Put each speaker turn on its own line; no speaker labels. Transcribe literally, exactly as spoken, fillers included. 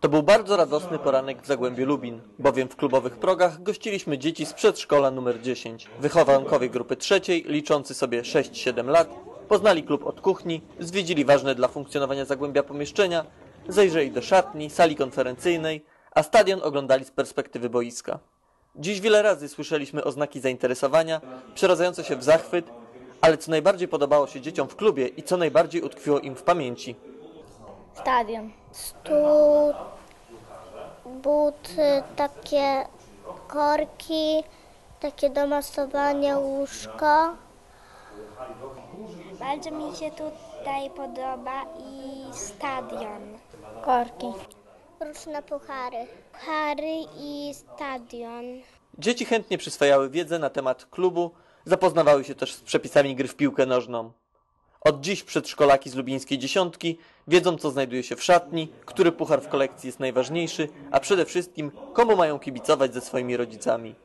To był bardzo radosny poranek w Zagłębiu Lubin, bowiem w klubowych progach gościliśmy dzieci z przedszkola numer dziesięć. Wychowankowie grupy trzeciej, liczący sobie sześć siedem lat, poznali klub od kuchni, zwiedzili ważne dla funkcjonowania Zagłębia pomieszczenia, zajrzeli do szatni, sali konferencyjnej, a stadion oglądali z perspektywy boiska. Dziś wiele razy słyszeliśmy oznaki zainteresowania, przeradzające się w zachwyt, ale co najbardziej podobało się dzieciom w klubie i co najbardziej utkwiło im w pamięci?
Stadion. Stół, buty, takie korki, takie do masowania, łóżko.
Bardzo mi się tutaj podoba i stadion.
Korki. Różne puchary. Puchary i stadion.
Dzieci chętnie przyswajały wiedzę na temat klubu, zapoznawały się też z przepisami gry w piłkę nożną. Od dziś przedszkolaki z lubińskiej dziesiątki wiedzą, co znajduje się w szatni, który puchar w kolekcji jest najważniejszy, a przede wszystkim komu mają kibicować ze swoimi rodzicami.